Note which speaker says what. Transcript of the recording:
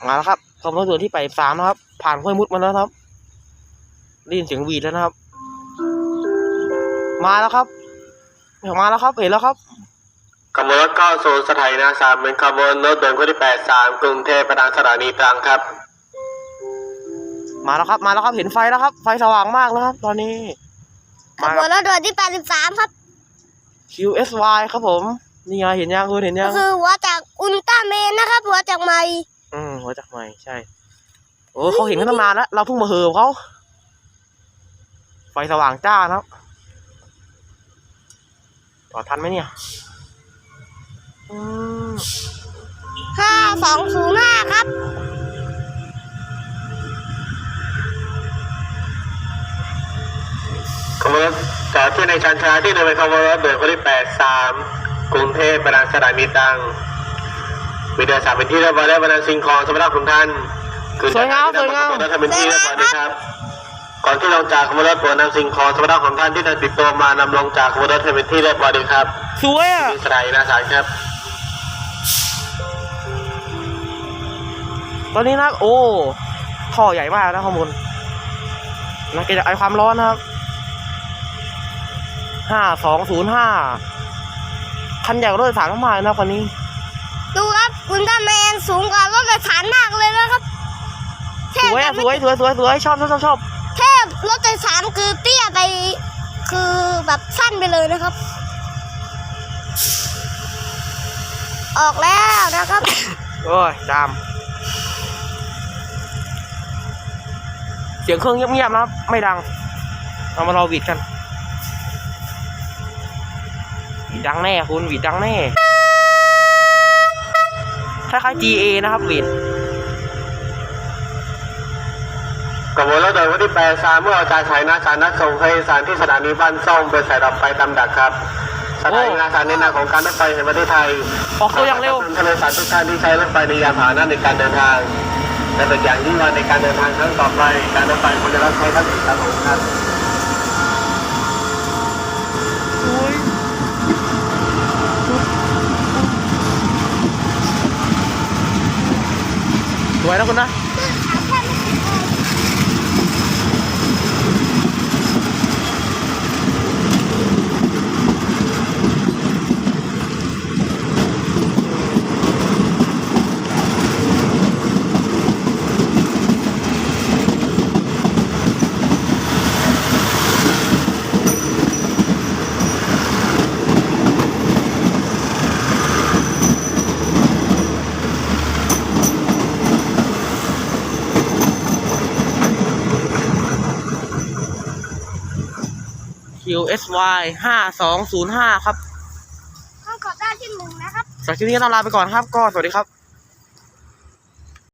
Speaker 1: มาแล้วครับขบวนรถด่วนที่83นะครับผ่านห้วยมุดมาแล้วครับได้ยินเสียงหวีดแล้วนะครับมาแล้วครับเห็นแล้วครับ
Speaker 2: ขบวนรถเข้าสู่สถานีนาสามเป็นขบวนรถด่วนคู่ที่83กรุงเทพไปทางสถานีตรังครับ
Speaker 1: มาแล้วครับเห็นไฟแล้วครับไฟสว่างมากแล้วครับตอนนี้
Speaker 3: ขบวนรถด่วนที่83ครับ
Speaker 1: QSY ครับผมนี่ไงเห็นยังคุณเห็นยัง
Speaker 3: ก็คือหัวจากอุลตร้าแมนนะครับหัวจากใหม่
Speaker 1: หัวจากใหม่ใช่โอ้เขาเห็นกันตั้งนานแล้วเราเพิ่งมาเหิมเขาไฟสว่างจ้านะครับจอดทันไหมเนี่ย
Speaker 3: 5205ครับ
Speaker 2: ขบวนรถจอดที่ในชันชาที่เดินไปขบวนรถด่วนคู่ที่83กรุงเทพไปทางสถานีตรังมีเดินสายเป็นที่เรียบร้อยแล้วบรรดาสิ่งของสำหรับทุกท่าน
Speaker 1: สวยงาม
Speaker 2: เป็นที่เรียบร้อยนะครับก่อนที่ลงจากขบวนรถโปรดนำสิ่งของสำหรับของท่านที่เดินติดตัวมานำลงจากขบวนรถให้เป็นที่เรียบร้อยเลยครับ
Speaker 1: สวยอ่ะ
Speaker 2: สถานีนาสารครับ
Speaker 1: ตอนนี้นะโอ้ท่อใหญ่มากนะข้างบนนะเกิดจากไอความร้อนนะครับ5205คันใหญ่กว่ารถโดยสารมากๆนะคันนี้
Speaker 3: ดูครับอุลตร้าแมนสูงกว่ารถโดยสารมากเลยนะครับ
Speaker 1: สวยชอบ
Speaker 3: แทบรถโดยสารคือเตี้ยไปคือแบบสั้นไปเลยนะครับออกแล้วนะครับ
Speaker 1: โอ้ยจามเสียงเครื่องเงียบๆนะครับไม่ดังเอามารอวีดกันวีดดังแน่คุณวีดดังแน่คล้ายๆ GA นะครับวีด
Speaker 2: ขบวนรถด่วนคู่ที่83เมื่อออกจากสถานีนาสารนัดส่งให้สารที่สถานีบ้านส้มเป็นสายดับไฟตามดักครับสถานีนาสารในนามของการรถไฟแห่งประเทศไทย
Speaker 1: ออกตัวอย่างเร็ว
Speaker 2: ทะเลสาบทุกท่านที่ใช้รถไฟในยานพาหนะในการเดินทางและเป็นอย่างยิ่งในการเดินทางครั้งต่อไปการรถไฟควรจะรับใช้ท่านอีกครั้งครับ
Speaker 1: สวยนะคุณนะQSY 5205ครับ
Speaker 3: ต้องขอได้ที่1นะครับ
Speaker 1: สำหรับคลิปนี้ต้องลาไปก่อนครับก็สวัสดีครับ